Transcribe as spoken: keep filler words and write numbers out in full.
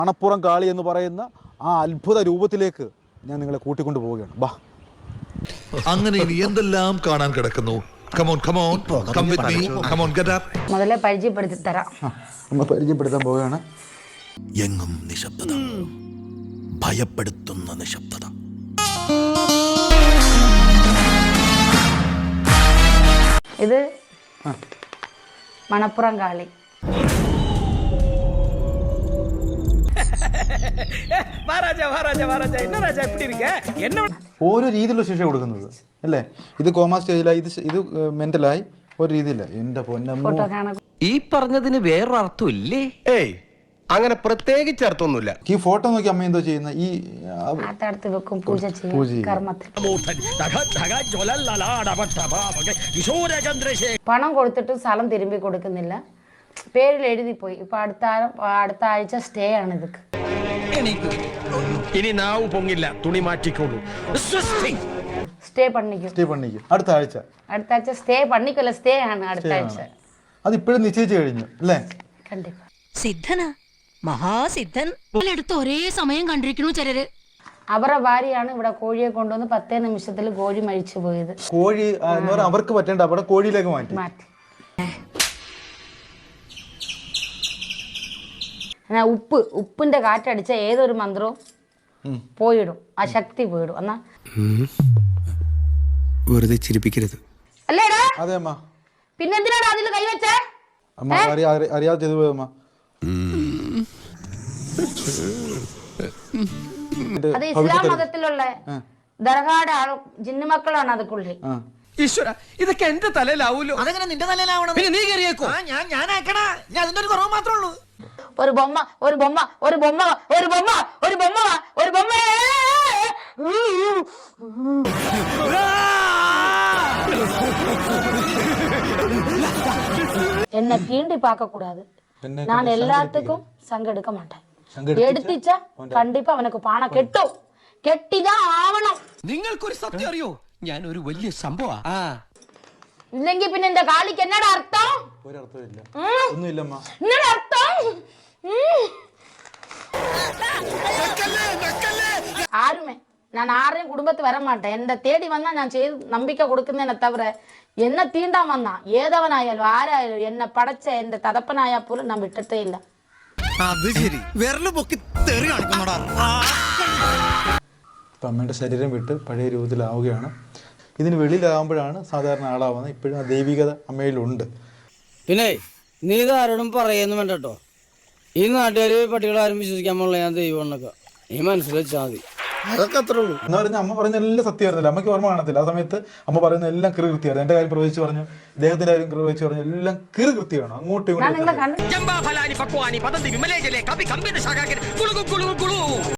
മണപ്പുറം കാളി എന്ന് പറയുന്ന ആ അത്ഭുത രൂപത്തിലേക്ക് ഞാൻ നിങ്ങളെ കൂട്ടിക്കൊണ്ടു പോവുകയാണ്. ബാ. അങ്ങനെ ഇനി എന്തെല്ലാം കാണാൻ കിടക്കുന്നു. Come on, come on, come with me. Come on, get up. മുതലേ പരിചയപ്പെടുത്തി തരാം. നമ്മൾ പരിചയപ്പെടുത്താൻ പോവുകയാണ്. എങ്ങും നിശബ്ദത, ഭയപ്പെടുത്തുന്ന നിശബ്ദത. ഇത് മണപ്പുറം കാളി. ഓരോ രീതിയിലുള്ള ശിക്ഷ കൊടുക്കുന്നത് അല്ലേ? ഇത് കോമാ സ്റ്റേജിലായി, ഇത് ഇത് മെന്റലായി, ഒരു രീതിയില്ല. എന്റെ പൊന്നമ്മ, ഈ പറഞ്ഞതിന് വേറൊരർത്ഥം ഇല്ലേ? ഏയ് അങ്ങനെ പ്രത്യേകിച്ച് അർത്ഥമൊന്നുമില്ല. ഈ ഫോട്ടോ നോക്കി അമ്മ എന്തോ ചെയ്യുന്ന ഈ ആത്തടുത്ത് വെക്കും, പൂജ ചെയ്യും, കർമ്മത്തിൽ. പണം കൊടുത്തിട്ട് സ്ഥലം തിരുമ്പി കൊടുക്കുന്നില്ല, പേരിൽ എഴുതി പോയി. ഇപ്പൊ അടുത്ത അടുത്ത ആഴ്ച സ്റ്റേ ആണ് ഇതൊക്കെ. ഇനി നാവ് പൊങ്ങില്ല, തുണി മാറ്റിക്കോളൂ. സ്റ്റേ പണിക്കും സ്റ്റേ പണിക്കും അടുത്ത ആഴ്ച. അടുത്ത ആഴ്ച സ്റ്റേ പണിക്കല്ല, സ്റ്റേ ആണ് അടുത്ത ആഴ്ച. അത് ഇപ്പോഴും നിശ്ചയിച്ചു കഴിഞ്ഞു അല്ലേ? കണ്ടിപ്പാ സിദ്ധനാ, മഹാസിദ്ധൻ. എടുത്ത് ഒരേ സമയം കണ്ടിരിക്കണു ചിലര്. അവരുടെ ഭാര്യയാണ് ഇവിടെ കോഴിയെ കൊണ്ടുവന്ന് പത്തേ നിമിഷത്തിൽ കോഴി മരിച്ചു പോയത്. കോഴി എന്ന് പറഞ്ഞാൽ അവർക്ക് പറ്റേണ്ട അവിടെ കോഴിയിലേക്ക് മാറ്റി മാറ്റി ഉപ്പ് ഉപ്പിന്റെ കാറ്റടിച്ച ഏതൊരു മന്ത്രവും പോയിടും, ആ ശക്തി പോയിടും. എന്നാ വെറുതെ ചിരിപ്പിക്കരുത്. അല്ലേടാ? അതെ അമ്മ. പിന്നെന്തിനാണ് അതിൽ കൈവച്ചേ? അമ്മ അറിയാതെ ചെയ്തു പോയമ്മ. അത് ഇസ്ലാം മതത്തിലുള്ള ദർഗാടെ ആൾ ജിന്നുമക്കളാണ് അതുക്കുള്ളിൽ. ഈശ്വര, ഇതൊക്കെ എന്റെ തലയിലാവൂലോ? അതെങ്ങനെ നിന്റെ തലയിലാവണം? പിന്നെ നീ കയറിയേക്കോ? ഞാൻ ഞാനാക്കണ, ഞാൻ അതിന്റെ ഒരു കുറവ് മാത്രമേ ഉള്ളൂ. ഒരു ബൊമ്മ ഒരു ബൊമ്മ ഒരു ബൊമ്മ ഒരു ബൊമ്മ ഒരു ബൊമ്മ ഒരു ബൊമ്മ என்ன தீண்டி பார்க்க கூடாது. நான் எல்லாத்துக்கும் சங்க எடுக்க மாட்டேன். எடுத்துச்சா கண்டிப்பா அவனுக்கு பணம் கெட்டும், கெட்டிதான் ஆவണം. നിങ്ങൾക്കൊരു സത്യം അറിയോ? ഞാൻ ഒരു വലിയ സംഭവ. ഇല്ലെങ്കിൽ പിന്നെ இந்த കാളിക്ക് എന്നടാ അർത്ഥം? ഒരു അർത്ഥമില്ല, ഒന്നുമില്ലമ്മ. എന്നടാ അർത്ഥം? ആരുമേ ഞാൻ ആരെയും കുടുംബത്തിൽ വരാൻ മാട്ടേൻ. എന്റെ തേടി വന്നാ ഞാൻ ചെയ്ത് നമ്പിക്ക കൊടുക്കുന്നതിനെ തവിர എന്നെ തീണ്ടാൻ വന്നാ ഏതവനായാലും ആരായാലും എന്നെ പടച്ച എന്റെ തതപ്പനായാൽ പോലും ഞാൻ വിട്ടിട്ടേ ഇല്ല. അത് ശരി, വിരല് പൊക്കി തെറി കാണിക്കുന്നോടാ. അമ്മയുടെ ശരീരം വിട്ട് പഴയ രൂപത്തിലാവുകയാണ്. ഇതിന് വെളിയിലാകുമ്പോഴാണ് സാധാരണ ആളാവുന്നത്. ഇപ്പോഴും ആ ദൈവികത അമ്മയിലുണ്ട്. പിന്നെ നീ ഇതാരോടും പറയുന്നു വേണ്ട കേട്ടോ. ഈ നാട്ടുകാർ പട്ടികളാരും വിശ്വസിക്കാൻ പാടില്ല ഞാൻ ദൈവം എന്നൊക്കെ നീ മനസ്സിൽ വെച്ചാൽ മതി. അതൊക്കെ അത്രേ ഉള്ളൂ. എന്ന് പറഞ്ഞാൽ അമ്മ പറയുന്ന എല്ലാം സത്യമായിരുന്നില്ല. അമ്മയ്ക്ക് ഓർമ്മ കാണത്തില്ല. ആ സമയത്ത് അമ്മ പറയുന്ന എല്ലാം കൃ കൃത്യമായിരുന്നു. എന്റെ കാര്യം പ്രവചിച്ച് പറഞ്ഞു, ഇദ്ദേഹത്തിന്റെ കാര്യം പ്രവചിച്ച് പറഞ്ഞു, എല്ലാം കൃ കൃത്യമാണ്. അങ്ങോട്ടും ഇങ്ങോട്ടും